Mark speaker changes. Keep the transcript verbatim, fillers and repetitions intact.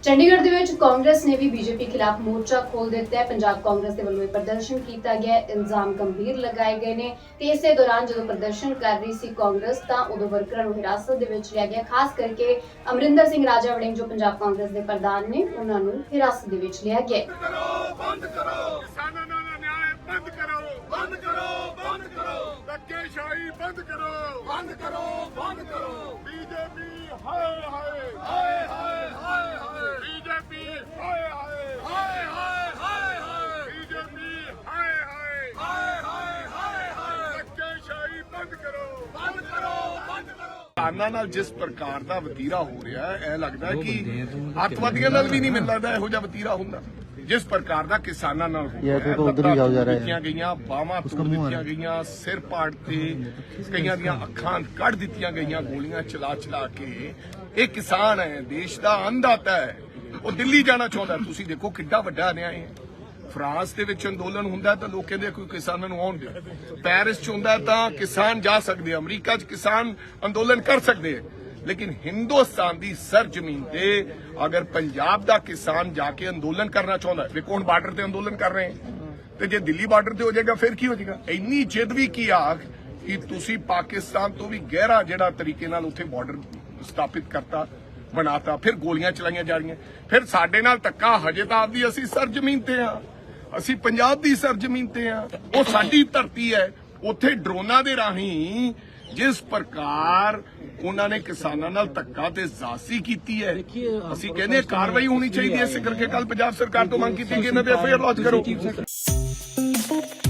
Speaker 1: ਚੰਡੀਗੜ੍ਹ ਦੇ ਵਿੱਚ ਕਾਂਗਰਸ ਨੇ ਵੀ ਬੀਜੇਪੀ ਖਿਲਾਫ ਮੋਰਚਾ ਖੋਲ ਦਿੱਤਾ ਹੈ। ਪੰਜਾਬ ਕਾਂਗਰਸ ਦੇ ਵੱਲੋਂ ਇਹ ਪ੍ਰਦਰਸ਼ਨ ਕੀਤਾ ਗਿਆ, ਇਲਜ਼ਾਮ ਗੰਭੀਰ ਲਗਾਏ ਗਏ ਨੇ ਤੇ ਇਸੇ ਦੌਰਾਨ ਜਦੋਂ ਪ੍ਰਦਰਸ਼ਨ ਕਰ ਰਹੀ ਸੀ ਕਾਂਗਰਸ ਤਾਂ ਉਦੋਂ ਵਰਕਰਾਂ ਨੂੰ ਹਿਰਾਸਤ ਦੇ ਵਿੱਚ ਲਿਆ ਗਿਆ। ਖਾਸ ਕਰਕੇ ਅਮਰਿੰਦਰ ਸਿੰਘ ਰਾਜਾ ਵੜਿੰਗ ਜੋ ਪੰਜਾਬ ਕਾਂਗਰਸ ਦੇ ਪ੍ਰਧਾਨ ਨੇ ਉਹਨਾਂ ਨੂੰ ਹਿਰਾਸਤ ਦੇ ਵਿੱਚ ਲਿਆ ਗਿਆ।
Speaker 2: ਬੰਦ ਕਰੋ, ਕਿਸਾਨਾਂ ਦਾ ਨਿਆਂ ਬੰਦ ਕਰੋ, ਬੰਦ ਕਰੋ, ਬੰਦ ਕਰੋ, ਧੱਕੇਸ਼ਾਹੀ ਬੰਦ ਕਰੋ, ਬੰਦ ਕਰੋ, ਬੰਦ ਕਰੋ। ਬੀਜੇਪੀ ਹਾਏ ਹਾਏ ਹਾਏ ਹਾਏ ਹਾਏ ਹਾਏ, ਬੀਜੇਪੀ ਹਾਏ ਹਾਏ ਹਾਏ ਹਾਏ ਹਾਏ ਹਾਏ, ਬੀਜੇਪੀ ਹਾਏ ਹਾਏ ਹਾਏ ਹਾਏ ਹਾਏ ਹਾਏ, ਧੱਕੇਸ਼ਾਹੀ ਬੰਦ ਕਰੋ, ਬੰਦ ਕਰੋ, ਬੰਦ ਕਰੋ। ਕਿਸਾਨਾਂ ਨਾਲ ਜਿਸ ਪ੍ਰਕਾਰ ਦਾ ਵਤੀਰਾ ਹੋ ਰਿਹਾ ਹੈ, ਇਹ ਲੱਗਦਾ ਹੈ ਕਿ ਅੱਤਵਾਦੀਆਂ ਨਾਲ ਵੀ ਨਹੀਂ ਮਿਲ ਲੱਗਦਾ ਇਹੋ ਜਿਹਾ ਵਤੀਰਾ ਹੁੰਦਾ। ਜਿਸ ਪ੍ਰਕਾਰ ਦਾ ਕਿਸਾਨਾਂ ਨਾਲ ਦਿੱਤੀਆਂ ਗਈਆਂ, ਬਾਹਾਂ ਤੋੜ ਦਿੱਤੀਆਂ ਗਈਆਂ, ਸਿਰ ਪਾੜ ਤੇ ਕਈਆਂ ਦੀਆਂ ਅੱਖਾਂ ਕੱਢ ਦਿੱਤੀਆਂ ਗਈਆਂ ਗੋਲੀਆਂ ਚਲਾ ਚਲਾ ਕੇ। ਇਹ ਕਿਸਾਨ ਹੈ, ਦੇਸ਼ ਦਾ ਅੰਨਦਾਤਾ ਹੈ, ਉਹ ਦਿੱਲੀ ਜਾਣਾ ਚਾਹੁੰਦਾ। ਤੁਸੀਂ ਦੇਖੋ ਕਿੱਡਾ ਵੱਡਾ ਅਨਿਆਏ ਹੈ। ਫਰਾਂਸ ਦੇ ਵਿੱਚ ਅੰਦੋਲਨ ਹੁੰਦਾ ਤਾਂ ਲੋਕ ਕਹਿੰਦੇ ਕੋਈ ਕਿਸਾਨਾਂ ਨੂੰ ਆਉਣ ਦਿਓ। ਪੈਰਿਸ ਚ ਹੁੰਦਾ ਤਾਂ ਕਿਸਾਨ ਜਾ ਸਕਦੇ, ਅਮਰੀਕਾ ਚ ਕਿਸਾਨ ਅੰਦੋਲਨ ਕਰ ਸਕਦੇ। लेकिन हिंदुस्तान की सर जमीन ते अगर पंजाब का किसान जाके अंदोलन करना चाहता है, देखो हुण बार्डर ते अंदोलन कर रहे हैं, तो जे दिल्ली बार्डर ते हो जाएगा फिर की हो जाएगा। इन्नी जिद भी की आख कि तुसी पाकिस्तान तो भी गहरा जिहड़ा तरीके नाल उत्थे बार्डर स्थापित करता बनाता, फिर गोलियां चलाईयां जा रही, फिर साडे नाल धक्का। हजे तां आपदी असीं सर जमीन ते हां, असीं पंजाब दी सर जमीन ते हां, वो साडी धरती है। उत्थे ड्रोनां दे राहीं जिस प्रकार उन्होंने किसानों नाल धक्का ते जासी कीती है, असीं कहने कार्रवाई होनी चाहिए। इस करके कल पंजाब सरकार तो मंग कीती कि इन्हां ते एफ आई आर लॉन्च करो।